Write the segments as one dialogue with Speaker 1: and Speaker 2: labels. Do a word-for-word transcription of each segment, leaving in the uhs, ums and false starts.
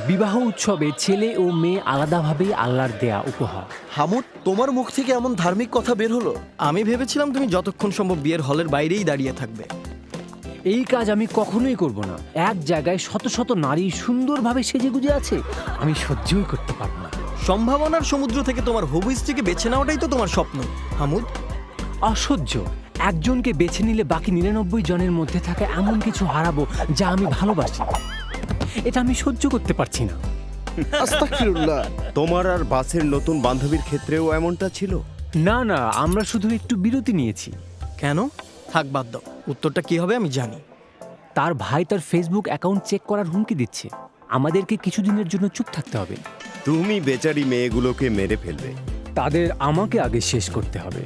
Speaker 1: বিবাহ উৎসবে ছেলে ও মেয়ে আলাদাভাবেই আল্লাহর দেয়া উপহার।
Speaker 2: হামুদ, তোমার মুখ থেকে এমন ধার্মিক কথা বের হলো?
Speaker 3: আমি ভেবেছিলাম তুমি যতক্ষণ সম্ভব বিয়ের হলের বাইরেই দাঁড়িয়ে থাকবে।
Speaker 1: এই কাজ আমি কখনোই করব না। এক জায়গায় শত শত নারী সুন্দরভাবে সেজেগুজে আছে, আমি সহ্যই করতে পারবো না।
Speaker 3: সম্ভাবনার সমুদ্র থেকে তোমার হবু স্ত্রীকে বেছে নেওয়াটাই তো তোমার স্বপ্ন হামুদ।
Speaker 1: অসহ্য। একজনকে বেছে নিলে বাকি নিরানব্বই জনের মধ্যে থাকা এমন কিছু হারাবো যা আমি ভালোবাসি। এটা আমি সহ্য করতে পারছি না।
Speaker 2: আস্তাগফিরুল্লাহ।
Speaker 4: তোমার আর বাসের নতুন বান্ধবীর ক্ষেত্রেও এমনটা ছিল?
Speaker 1: না না, আমরা শুধু একটু বিরতি নিয়েছি।
Speaker 3: কেন? থাক, বাদ দাও। উত্তরটা কি হবে আমি জানি।
Speaker 1: তার ভাই তার ফেসবুক অ্যাকাউন্ট চেক করার হুমকি দিচ্ছে। আমাদেরকে কিছুদিনের জন্য চুপ থাকতে হবে।
Speaker 4: তুমি বেচারি মেয়েগুলোকে মেরে ফেলবে।
Speaker 1: তাদের আমাকে আগে শেষ করতে হবে।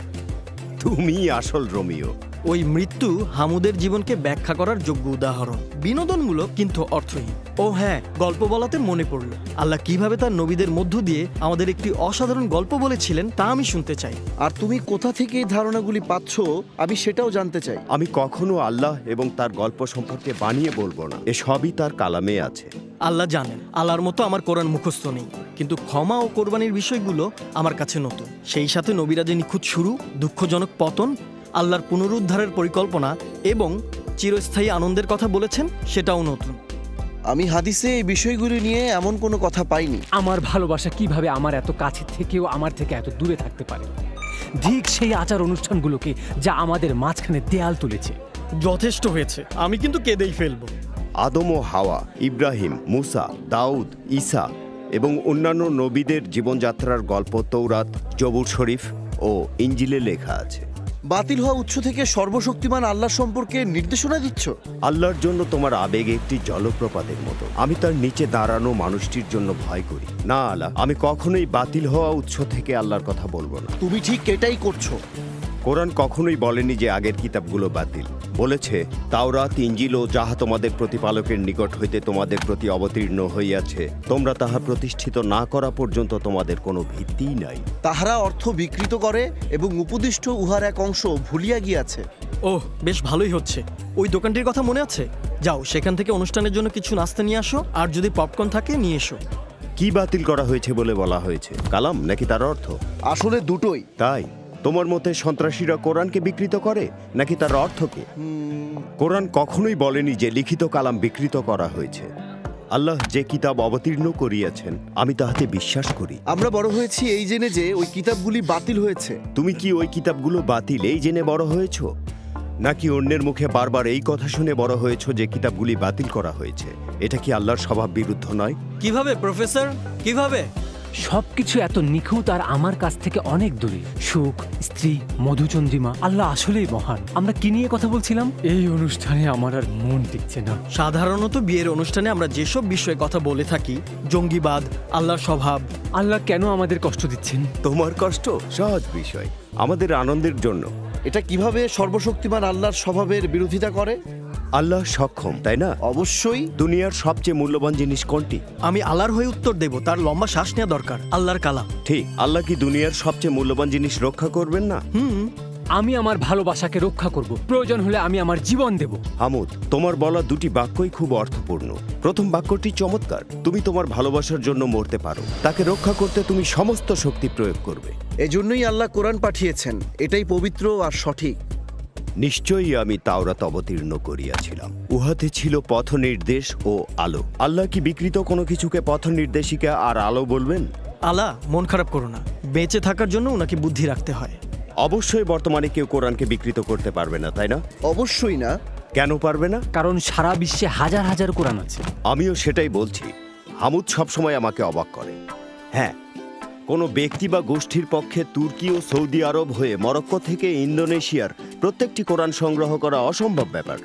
Speaker 4: তুমি আসল রোমিও।
Speaker 3: ওই মৃত্যু হামুদের জীবনকে ব্যাখ্যা করার যোগ্য উদাহরণ। বিনোদনমূলক কিন্তু অর্থহীন। ও হ্যাঁ, গল্প বলাতে মনে পড়ল, আল্লাহ কিভাবে তার নবীদের মধ্য দিয়ে আমাদের একটি অসাধারণ গল্প বলেছিলেন তা আমি শুনতে চাই।
Speaker 2: আর তুমি কোথা থেকে এই ধারণাগুলি পাচ্ছ আমি সেটাও জানতে চাই।
Speaker 4: আমি কখনো আল্লাহ এবং তার গল্প সম্পর্কে বানিয়ে বলবো না, এসবই তার কালামে আছে।
Speaker 3: আল্লাহ জানেন, আল্লাহর মতো আমার কোরআন মুখস্থ নেই, কিন্তু ক্ষমা ও কোরবানির বিষয়গুলো আমার কাছে নতুন। সেই সাথে নবীরাজের নিখুঁত শুরু, দুঃখজনক পতন, আল্লাহর পুনরুদ্ধারের পরিকল্পনা এবং চিরস্থায়ী আনন্দের কথা বলেছেন, সেটাও নতুন।
Speaker 2: আমি হাদিসে এই বিষয়গুলি নিয়ে এমন কোনো কথা পাইনি।
Speaker 1: আমার ভালোবাসা কিভাবে আমার এত কাছে থেকেও আমার থেকে এত দূরে থাকতে পারে? ঠিক সেই আচার অনুষ্ঠানগুলোকে যা আমাদের মাঝখানে দেয়াল তুলেছে।
Speaker 3: যথেষ্ট হয়েছে, আমি কিন্তু কেঁদেই ফেলবো।
Speaker 4: আদম ও হাওয়া, ইব্রাহিম, মুসা, দাউদ, ঈসা এবং অন্যান্য নবীদের জীবনযাত্রার গল্প তৌরাত, জবুর শরীফ ও ইঞ্জিলে লেখা আছে।
Speaker 2: বাতিল হওয়া উৎস থেকে সর্বশক্তিমান আল্লাহ সম্পর্কে নির্দেশনা দিচ্ছ?
Speaker 4: আল্লাহর জন্য তোমার আবেগ একটি জলপ্রপাতের মতো। আমি তার নিচে দাঁড়ানো মানুষটির জন্য ভয় করি না। আল্লাহ, আমি কখনোই বাতিল হওয়া উৎস থেকে আল্লাহর কথা বলবো না।
Speaker 2: তুমি ঠিক এটাই করছো।
Speaker 4: কোরআন কখনোই বলেনি যে আগের কিতাবগুলো বাতিল। বলেছে তাওরাত, ইঞ্জিল ও যাহা তোমাদের প্রতিপালকের নিকট হইতে তোমাদের প্রতি অবতীর্ণ হইয়াছে, তোমরা তাহা প্রতিষ্ঠিত না করা পর্যন্ত তোমাদের কোনো ভিত্তিই নাই।
Speaker 2: তাহারা অর্থ বিকৃত করে এবং উপদিষ্ট উহার এক অংশ ভুলিয়া গিয়াছে।
Speaker 3: ওহ, বেশ ভালোই হচ্ছে। ওই দোকানটির কথা মনে আছে? যাও, সেখান থেকে অনুষ্ঠানের জন্য কিছু নাস্তা নিয়ে আসো, আর যদি পপকর্ন থাকে নিয়ে এসো।
Speaker 4: কি বাতিল করা হয়েছে বলে বলা হয়েছে? কালাম নাকি তার অর্থ?
Speaker 2: আসলে দুটোই।
Speaker 4: তাই তোমার মতে সন্ত্রাসীরা কোরআনকে বিকৃত করে নাকি তার অর্থকে? কোরআন কখনোই বলেনি যে লিখিত কালাম বিকৃত করা হয়েছে। আল্লাহ যে কিতাব অবতীর্ণ করিয়াছেন আমি তাহাতে বিশ্বাস করি।
Speaker 2: আমরা বড় হয়েছি এই জেনে যে ওই কিতাবগুলি বাতিল হয়েছে।
Speaker 4: তুমি কি ওই কিতাবগুলো বাতিল এই জেনে বড় হয়েছ, নাকি অন্যের মুখে বারবার এই কথা শুনে বড় হয়েছ যে কিতাবগুলি বাতিল করা হয়েছে? এটা কি আল্লাহর স্বভাব বিরুদ্ধ নয়?
Speaker 3: কিভাবে প্রফেসর, কিভাবে?
Speaker 1: সবকিছু এত নিখুঁত আর আমার কাছ থেকে অনেক দূরে। সুখ, স্ত্রী, মধুচন্দ্রিমা। আল্লাহ আসলেই মহান। আমরা কি নিয়ে কথা বলছিলাম? এই অনুষ্ঠানে আমার আর মন টিকছে না।
Speaker 3: সাধারণত বিয়ের অনুষ্ঠানে আমরা যেসব বিষয়ে কথা বলে থাকি, জঙ্গিবাদ, আল্লাহর স্বভাব।
Speaker 1: আল্লাহ কেন আমাদের কষ্ট দিচ্ছেন?
Speaker 4: তোমার কষ্ট সহজ বিষয়, আমাদের আনন্দের জন্য।
Speaker 2: এটা কিভাবে সর্বশক্তিমান আল্লাহর স্বভাবের বিরোধিতা করে?
Speaker 4: আল্লাহ সক্ষম, তাই না?
Speaker 2: অবশ্যই।
Speaker 4: দুনিয়ার সবচেয়ে মূল্যবান জিনিস কোনটি?
Speaker 3: আমি আল্লাহর হয়ে উত্তর দেব, তার লম্বা শ্বাস নেওয়া দরকার। আল্লাহর কালাম।
Speaker 4: ঠিক। আল্লাহ কি দুনিয়ার সবচেয়ে মূল্যবান জিনিস রক্ষা করবেন না?
Speaker 3: হুম,
Speaker 1: আমি আমার ভালোবাসাকে রক্ষা করব। প্রয়োজন হলে আমি আমার জীবন দেব।
Speaker 4: হামুদ, তোমার বলা দুটি বাক্যই খুব অর্থপূর্ণ। প্রথম বাক্যটি চমৎকার। তুমি তোমার ভালোবাসার জন্য মরতে পারো, তাকে রক্ষা করতে তুমি সমস্ত শক্তি প্রয়োগ করবে।
Speaker 2: এজন্যই আল্লাহ কোরআন পাঠিয়েছেন। এটাই পবিত্র আর সঠিক।
Speaker 4: নিশ্চয়ই আমি তাওরাত অবতীর্ণ করিয়াছিলাম, উহাতে ছিল পথ নির্দেশ ও আলো। আল্লাহ কি বিকৃত কোনো কিছুকে পথ নির্দেশিকা আর আলো বলবেন?
Speaker 3: আল্লাহ, মন খারাপ করো না। বেঁচে থাকার জন্য ওনাকে বুদ্ধি রাখতে হয়।
Speaker 4: অবশ্যই বর্তমানে কেউ কোরআনকে বিকৃত করতে পারবে না, তাই না?
Speaker 2: অবশ্যই না।
Speaker 4: কেন পারবে না?
Speaker 1: কারণ সারা বিশ্বে হাজার হাজার কোরআন আছে।
Speaker 4: আমিও সেটাই বলছি। হামুদ সবসময় আমাকে অবাক করে। হ্যাঁ, কোনো ব্যক্তি বা গোষ্ঠীর পক্ষে তুর্কি ও সৌদি আরব হয়ে মরক্কো থেকে ইন্দোনেশিয়ার প্রত্যেকটি কোরআন সংগ্রহ করা অসম্ভব ব্যাপার।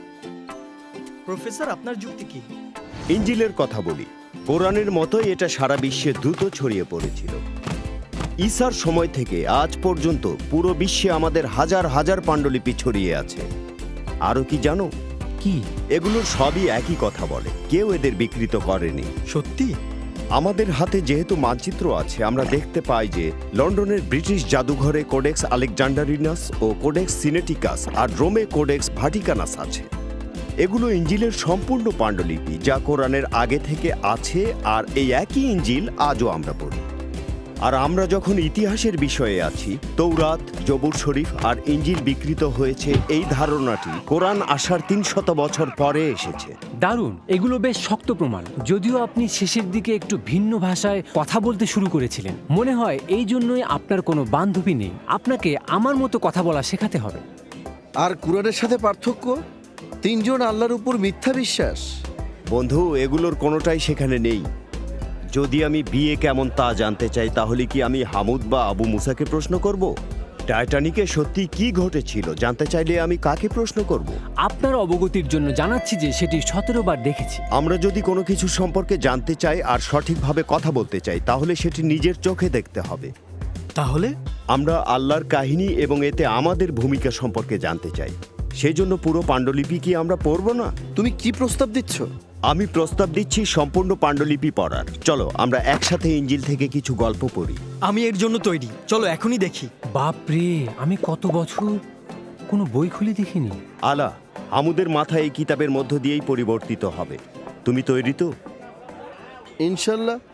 Speaker 3: প্রফেসর, আপনার যুক্তি কি?
Speaker 4: ইঞ্জিলের কথা বলি, কোরআনের মতোই এটা সারা বিশ্বে দ্রুত ছড়িয়ে পড়েছিল। ঈসার সময় থেকে আজ পর্যন্ত পুরো বিশ্বে আমাদের হাজার হাজার পাণ্ডুলিপি ছড়িয়ে আছে। আরও কি জানো?
Speaker 1: কি?
Speaker 4: এগুলোর সবই একই কথা বলে, কেউ এদের বিকৃত করেনি।
Speaker 3: সত্যি?
Speaker 4: আমাদের হাতে যেহেতু মানচিত্র আছে, আমরা দেখতে পাই যে লন্ডনের ব্রিটিশ জাদুঘরে কোডেক্স আলেকজান্ডারিনাস ও কোডেক্স সিনেটিকাস আর রোমে কোডেক্স ভাটিকানাস আছে। এগুলো ইঞ্জিলের সম্পূর্ণ পাণ্ডুলিপি, যা কোরআনের আগে থেকে আছে, আর এই একই ইঞ্জিল আজও আমরা পড়ি। আর আমরা যখন ইতিহাসের বিষয়ে আছি, তৌরাত, জবুর শরীফ আর ইঞ্জিল বিকৃত হয়েছে এই ধারণাটি কোরআন আসার তিনশত বছর পরে এসেছে।
Speaker 1: দারুণ, এগুলো বেশ শক্ত প্রমাণ। যদিও আপনি শেষের দিকে একটু ভিন্ন ভাষায় কথা বলতে শুরু করেছিলেন, মনে হয় এই জন্যই আপনার কোনো বান্ধবী নেই। আপনাকে আমার মতো কথা বলা শেখাতে হবে।
Speaker 2: আর কুরআনের সাথে পার্থক্য, তিনজন আল্লাহর উপর মিথ্যা বিশ্বাস।
Speaker 4: বন্ধু, এগুলোর কোনোটাই সেখানে নেই। যদি আমি বিয়ে কেমন তা জানতে চাই, তাহলে কি আমি হামুদ বা আবু মুসাকে প্রশ্ন করব? টাইটানিকে সত্যি কি ঘটেছিল জানতে চাইলে আমি কাকে প্রশ্ন করব?
Speaker 1: আপনার অবগতির জন্য জানাচ্ছি যে সেটি সতেরো বার দেখেছি।
Speaker 4: আমরা যদি কোনো কিছু সম্পর্কে জানতে চাই আর সঠিকভাবে কথা বলতে চাই, তাহলে সেটি নিজের চোখে দেখতে হবে।
Speaker 3: তাহলে
Speaker 4: আমরা আল্লাহর কাহিনী এবং এতে আমাদের ভূমিকা সম্পর্কে জানতে চাই। সেই জন্য পুরো পাণ্ডুলিপি কি আমরা পড়ব না?
Speaker 2: তুমি কি প্রস্তাব দিচ্ছ?
Speaker 4: আমি প্রস্তাব দিচ্ছি সম্পূর্ণ পাণ্ডুলিপি পড়ার। চলো আমরা একসাথে ইঞ্জিল থেকে কিছু গল্প পড়ি।
Speaker 3: আমি এর জন্য তৈরি, চলো এখনই দেখি।
Speaker 1: বাপরে, আমি কত বছর কোনো বই খুলে দেখিনি।
Speaker 4: আলা, হামুদের মাথা এই কিতাবের মধ্য দিয়েই পরিবর্তিত হবে। তুমি তৈরি তো?
Speaker 2: ইনশাল্লাহ।